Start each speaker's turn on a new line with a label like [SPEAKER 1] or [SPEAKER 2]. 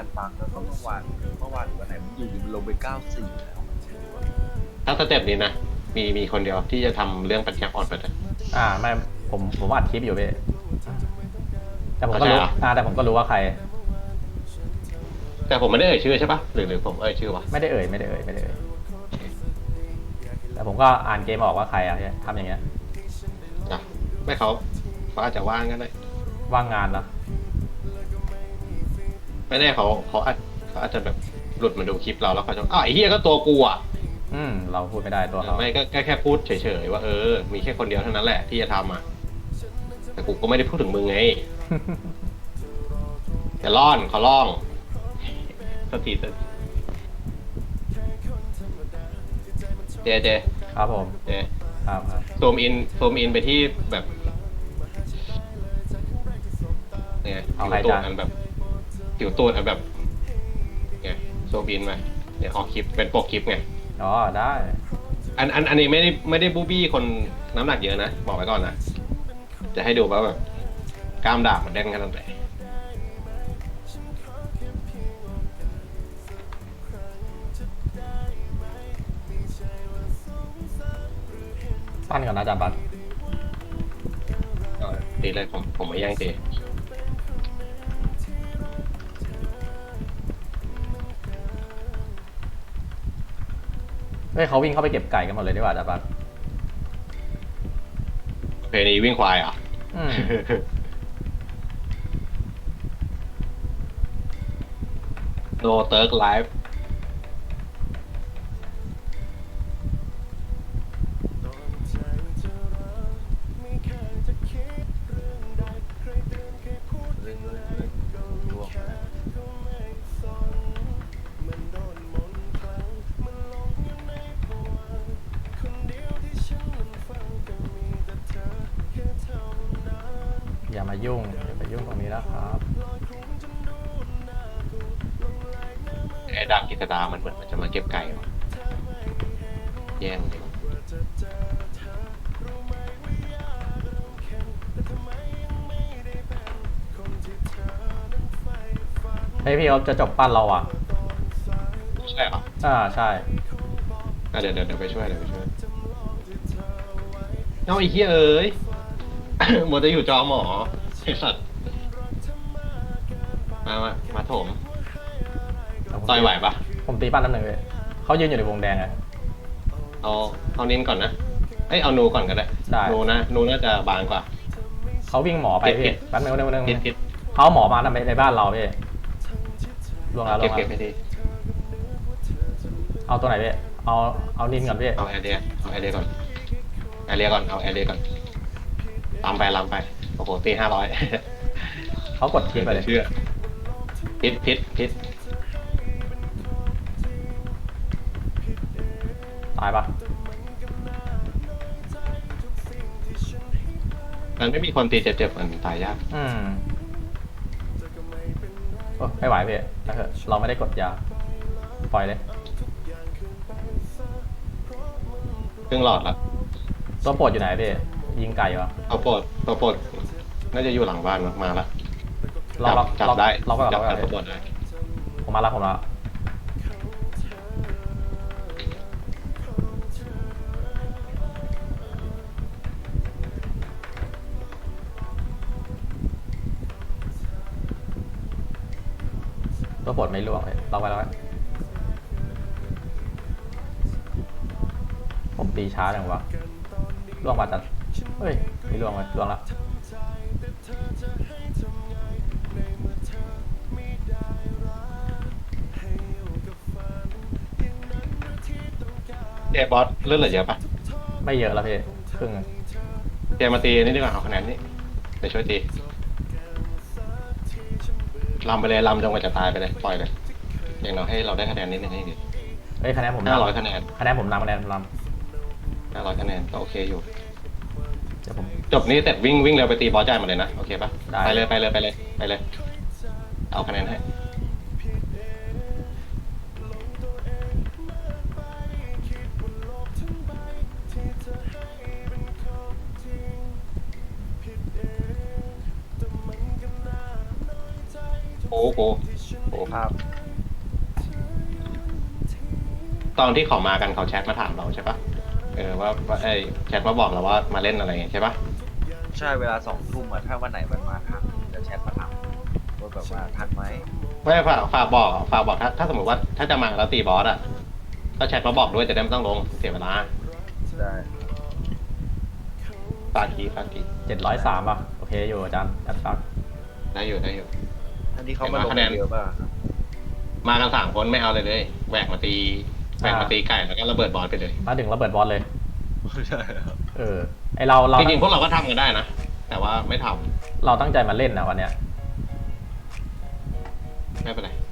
[SPEAKER 1] การฟังแล้วก็เมื่อวานวันไหนมันอยู่มันลงไป94แล้ว
[SPEAKER 2] ถ้าสเต็ปนี้นะมีคนเดียวที่จะทำเรื่องปัญญาอ่อนไปเลย
[SPEAKER 3] ไม่ผมอัดคลิปอยู่พี่แต่ผมก็รู้
[SPEAKER 2] เข้าใจเหรอ
[SPEAKER 3] แต่ผมก็รู้ว่าใคร
[SPEAKER 2] แต่ผมไม่ได้เอ่ยชื่อใช่ปะหรือผมเอ่ยชื่อวะ
[SPEAKER 3] ไม่ได้เอ่ยแต่ผมก็อ่านเกมออกว่าใครอะทำอย่างเงี้ย
[SPEAKER 2] นะไม่เขาอาจจะว่างก็ได้
[SPEAKER 3] ว่างงานเนาะ
[SPEAKER 2] ไม่แน่เขาอาจจะแบบหลุดมาดูคลิปเราแล้วเขาจะไอ้เฮียก็ตัวกูอ่ะ
[SPEAKER 3] เราพูดไม่ได้ตัวเขา
[SPEAKER 2] ไม่ก็แค่พูดเฉยๆว่ามีแค่คนเดียวเท่านั้นแหละที่จะทำอ่ะแต่กูก็ไม่ได้พูดถึงมึงไงแต่ขอร้องสติเจ
[SPEAKER 3] ครับผม
[SPEAKER 2] เจ
[SPEAKER 3] ครับ
[SPEAKER 2] ซูมอินไปที่แบบเนี่ย
[SPEAKER 3] เอา
[SPEAKER 2] ผิวตูด
[SPEAKER 3] ใครจ้ะ
[SPEAKER 2] อันแบบผิวตูดอันแบบเนี่ยซูมอินมาเนี่ยออกคลิปเป็นปกคลิปไง
[SPEAKER 3] อ๋อได้
[SPEAKER 2] อันนี้ไม่ได้บูบี้คนน้ำหนักเยอะนะบอกไว้ก่อนนะจะให้ดูว่าแบบกล้ามดาบมันแดงขนาดไหน
[SPEAKER 3] ปั้นก่อนนะอาจารย์บัตร
[SPEAKER 2] ตีเลยผมไม่แย่งตี
[SPEAKER 3] เฮ้ยเขาวิ่งเข้าไปเก็บไก่กันหมดเลยดีกว่าอาจารย์บัตร
[SPEAKER 2] เพลงนี้วิ่งควายเหรอ่ะ
[SPEAKER 3] อืม
[SPEAKER 2] No Turk Live
[SPEAKER 1] ร่วง
[SPEAKER 3] อย่ามายุ่งตรงนี้นะครับ
[SPEAKER 2] ไอ้ดำกิตดามันเหมือนมันจะมาเก็บไก่วะแย่งเลย
[SPEAKER 3] เฮ้ยพี่เขาจะจบปั้นเราอ่ะ
[SPEAKER 2] ใช่เหรอ
[SPEAKER 3] ใช่
[SPEAKER 2] เดี๋ยวไปช่วยเอาไอ้เหี้ยเอ้ย หมดจะอยู่จอหมอไอ้สัตว์มาโถมต่อยไหวปะ
[SPEAKER 3] ผมตีปั้นน้ำหนึ่งเลยเขายืนอยู่ในวงแดงอะ
[SPEAKER 2] เอานิ้นก่อนนะเอานูก่อนก็ได้นูน่าจะบางกว่า
[SPEAKER 3] เขาวิ่งหมอไปพี่แป๊บนึง
[SPEAKER 2] พิษ
[SPEAKER 3] เขาหมอมาในบ้านเราพี่ลงแล้ว
[SPEAKER 2] เก็บให้ดี
[SPEAKER 3] เอาตัวไหนพี่เอานินก่อนพี่
[SPEAKER 2] เอาแอเรียก่อนเอาแอเรียก่อนลำไปโอ้โหตี500
[SPEAKER 3] เขากดทิ้งไปเลย
[SPEAKER 2] เชื่อพิษ
[SPEAKER 3] ตายปะ
[SPEAKER 2] มันไม่มีคนตีเจ็บมันตายยาก
[SPEAKER 3] ไม่ไหวพี่เราไม่ได้กดยาปล่อยเลย
[SPEAKER 2] ครึ่งหลอดละ
[SPEAKER 3] ตัวโปรดอยู่ไหนพี่ยิงไก่วะ
[SPEAKER 2] ตัวโปรดน่าจะอยู่หลังบ้านมาละจับได้
[SPEAKER 3] เราก็
[SPEAKER 2] จับตัวโปรดได้
[SPEAKER 3] ผมมาแล้วตัวโปรดไม่ล่วงเลยเราไปแล้วผมตีช้าจังวะล่วงมาจัดเฮ้ยไม่ล่วงเลยล่วงละ
[SPEAKER 2] บอสเลื่อนเหลือเยอะปะ
[SPEAKER 3] ไม่เยอะแล้วพี่ครึ่ง
[SPEAKER 2] มาตีนี่ดีกว่าเอาคะแนนนี่เดี๋ยวช่วยตีลำไปเลยลำจนกว่าจะตายไปเลยปล่อยเลยอย่างน้อยให้เราได้คะแนนนิดนึงให้ดี
[SPEAKER 3] เฮ้ยคะแนนผม
[SPEAKER 2] 500คะแนน
[SPEAKER 3] ผมนำ500
[SPEAKER 2] คะแนนก็โอเคอยู่
[SPEAKER 3] เดี๋ยวผม
[SPEAKER 2] จบนี้เสร็จวิ่งเร็วไปตีบอสจ่ายมาเลยนะโอเคปะ
[SPEAKER 3] ไป
[SPEAKER 2] เลยเอาคะแนนให้โอ้
[SPEAKER 1] ครับ
[SPEAKER 2] ตอนที่เขามากันเขาแชทมาถามเราใช่ปะว่าไอ้แชทมาบอกเราว่ามาเล่นอะไรใช่ปะ
[SPEAKER 1] ใช่เวลา2 ทุ่มอะถ้าวันไหนมันมาทันจะแชทมาถามว่าแบบว่าทันไหม
[SPEAKER 2] ไม่ฝากบอกถ้าสมมติว่าถ้าจะมาแล้วตีบอสอ่ะก็แชทมาบอกด้วยจะได้ไม่ต้องลงเสียเวลา
[SPEAKER 1] ได้
[SPEAKER 2] ฝากที
[SPEAKER 3] 703ป่ะโอเคอยู่อาจารย์จัดฟัก
[SPEAKER 2] ได้อยู่
[SPEAKER 1] อันนี้เขามาลง
[SPEAKER 2] คะแนน
[SPEAKER 1] เยอะป่ะ
[SPEAKER 2] มากัน3 คนไม่เอาเลยแหวกมาตีไก่แล้วก็ระเบิดบอสไปเลย
[SPEAKER 3] มาถึงระเบิดบอลเลย
[SPEAKER 1] ใช่ครับ
[SPEAKER 3] ไอเรา
[SPEAKER 2] จริงๆพวกเราก็ทำกันได้นะแต่ว่าไม่ทำ
[SPEAKER 3] เราตั้งใจมาเล่นนะวันเนี้ย
[SPEAKER 2] ไม่เป็นไร